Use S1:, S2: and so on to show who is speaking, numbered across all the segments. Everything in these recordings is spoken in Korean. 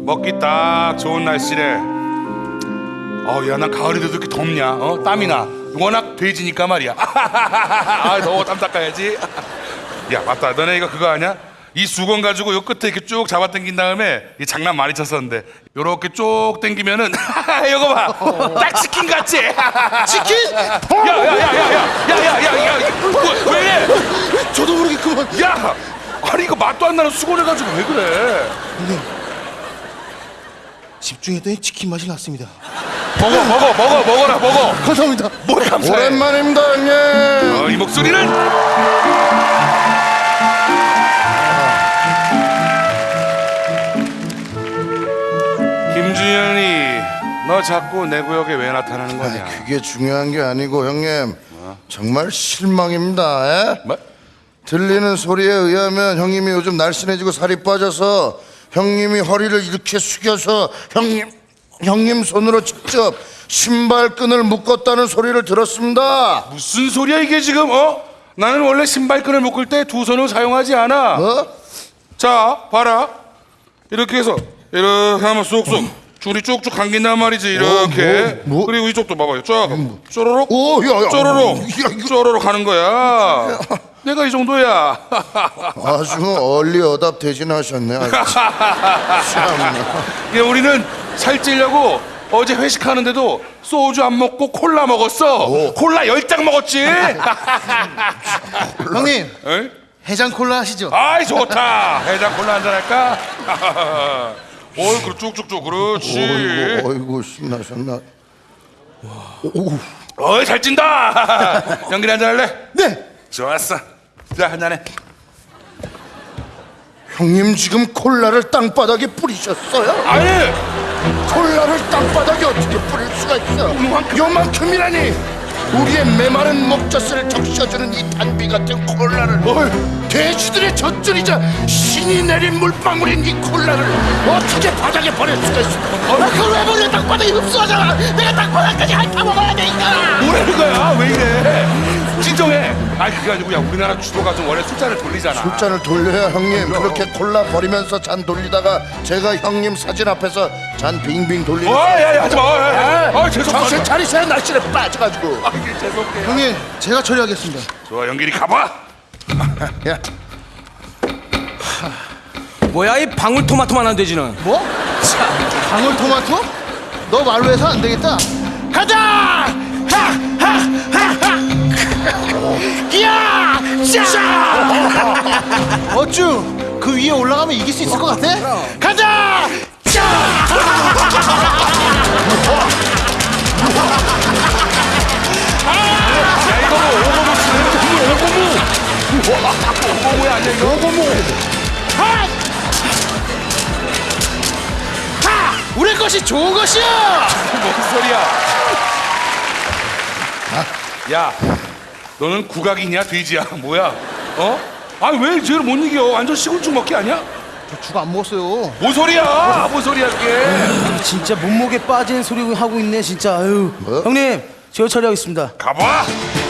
S1: 먹기 딱 좋은 날씨래. 야, 난 가을에도 이렇게 덥냐? 땀이 나. 워낙 돼지니까 말이야. 더워, 땀 닦아야지. 야, 맞다. 너네 이거 그거 아냐? 이 수건 가지고 요 끝에 이렇게 쭉 잡아 당긴 다음에 이 장난 많이 쳤었는데 요렇게 쭉 당기면은 이거 봐. 딱 치킨 같지?
S2: 치킨?
S1: 야야야야야야야야야 왜 이래?
S2: 저도 모르게 그만.
S1: 야! 아니 이거 맛도 안 나는 수건을 가지고 왜 그래?
S2: 집중했더니 치킨 맛이 났습니다.
S1: 먹어라.
S2: 감사합니다.
S1: 뭘 감사해?
S3: 오랜만입니다, 형님.
S1: 이 목소리는? 김준현이 너 자꾸 내 구역에 왜 나타나는 거냐?
S3: 그게 중요한 게 아니고 형님 정말 실망입니다. 에?
S1: 뭐?
S3: 들리는 소리에 의하면 형님이 요즘 날씬해지고 살이 빠져서 형님이 허리를 이렇게 숙여서 형님 손으로 직접 신발끈을 묶었다는 소리를 들었습니다.
S1: 무슨 소리야 이게 지금? 나는 원래 신발끈을 묶을 때 두 손을 사용하지 않아. 자, 봐라. 이렇게 해서 이렇게 하면 쏙쏙 줄이 쭉쭉 감긴단 말이지. 이렇게.
S3: 뭐?
S1: 그리고 이쪽도 봐봐요. 쫙 쪼로록
S3: 오, 야,
S1: 쪼로록 하는 거야. 내가 이 정도야.
S3: 아주 얼리 어답 대신하셨네. 참나.
S1: 야, 우리는 살찌려고 어제 회식하는데도 소주 안 먹고 콜라 먹었어. 콜라 10장 먹었지.
S2: 형님,
S1: 에이?
S2: 해장 콜라 하시죠?
S1: 아이 좋다. 해장 콜라 한잔 할까? 그 쭉쭉쭉 그렇지.
S3: 어이구 신나셨나?
S1: 잘 찐다. 연기리 한잔 할래?
S2: 네.
S1: 좋았어. 자, 한잔해.
S3: 형님 지금 콜라를 땅바닥에 뿌리셨어요?
S1: 아니,
S3: 콜라를 땅바닥에 어떻게 뿌릴 수가 있어? 요만큼이라니! 우리의 메마른 목젖을 적셔주는 이 단비 같은 콜라를 돼지들의 젖줄이자 신이 내린 물방울인 이 콜라를 어떻게 바닥에 버릴 수가 있어?
S2: 그걸 왜 버려? 땅바닥에 흡수하잖아. 내가 땅바닥까지 핥아 먹어야 돼, 이거라.
S1: 뭐라는 거야? 왜 이래? 진정해. 그게 아니고, 야, 우리나라 주도가 좀 원래 숫자를 돌리잖아.
S3: 숫자를 돌려야 형님 그렇게 콜라 버리면서 잔 돌리다가 제가 형님 사진 앞에서 잔 빙빙 돌리는
S1: 야, 하지 마.
S3: 정신
S1: 죄송합니다.
S3: 차리세요. 날씨에 빠져가지고.
S1: 죄송해요.
S2: 형님, 제가 처리하겠습니다.
S1: 좋아, 연기리 가봐.
S3: 야,
S4: 뭐야 이 방울토마토만 한 돼지는.
S2: 뭐? 방울토마토? 너 말로 해서 안 되겠다. 가자! 기야! 자! 어쭈? 그 위에 올라가면 이길 수 있을 것 같아? 가자!
S1: 야, 이거 오고무야 아니야 이거? 오고무.
S2: 우리 것이 좋은 것이야!
S1: 뭔 소리야? 야, 너는 국악이냐 돼지야? 뭐야? 왜 쟤를 못 이겨? 완전 시골죽 먹기 아니야?
S2: 죽 안 먹었어요.
S1: 뭔 소리야? 뭔 소리야 그게?
S4: 진짜 몸무게 빠지는 소리 하고 있네 진짜. 아유.
S3: 뭐?
S4: 형님 제가 처리하겠습니다.
S1: 가봐.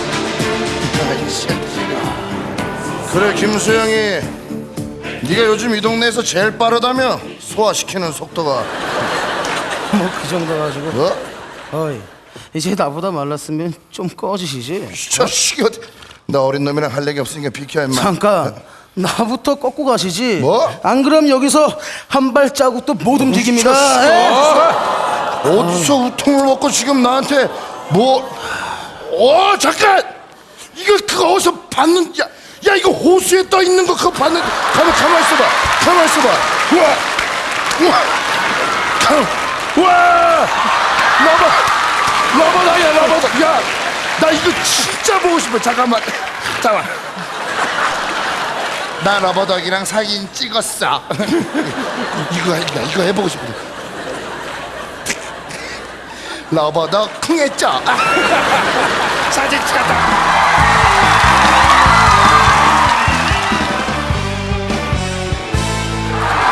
S3: 그래 김수영이 네가 요즘 이 동네에서 제일 빠르다며? 소화시키는 속도가.
S4: 뭐 그 정도 가지고.
S3: 뭐?
S4: 어이 이제 나보다 말랐으면 좀 꺼지시지.
S3: 저 시기 나 어린 놈이랑 할 얘기 없으니까 비켜 임마.
S4: 잠깐 나부터 꺾고 가시지.
S3: 뭐?
S4: 안 그럼 여기서 한 발자국도 못 움직입니다.
S3: 어디서 우통을 먹고 지금 나한테 뭐? 잠깐! 이거 그거 어디서 봤는? 야 이거 호수에 떠 있는 거 그거 봤는? 가만 있어봐. 우와! 러버다야 러버다. 야, 나 이거 진짜 보고 싶어. 잠깐만. 나 러버덕이랑 사진 찍었어. 이거 해보고 싶어. 러버덕 쿵했죠. 사진 찍었다.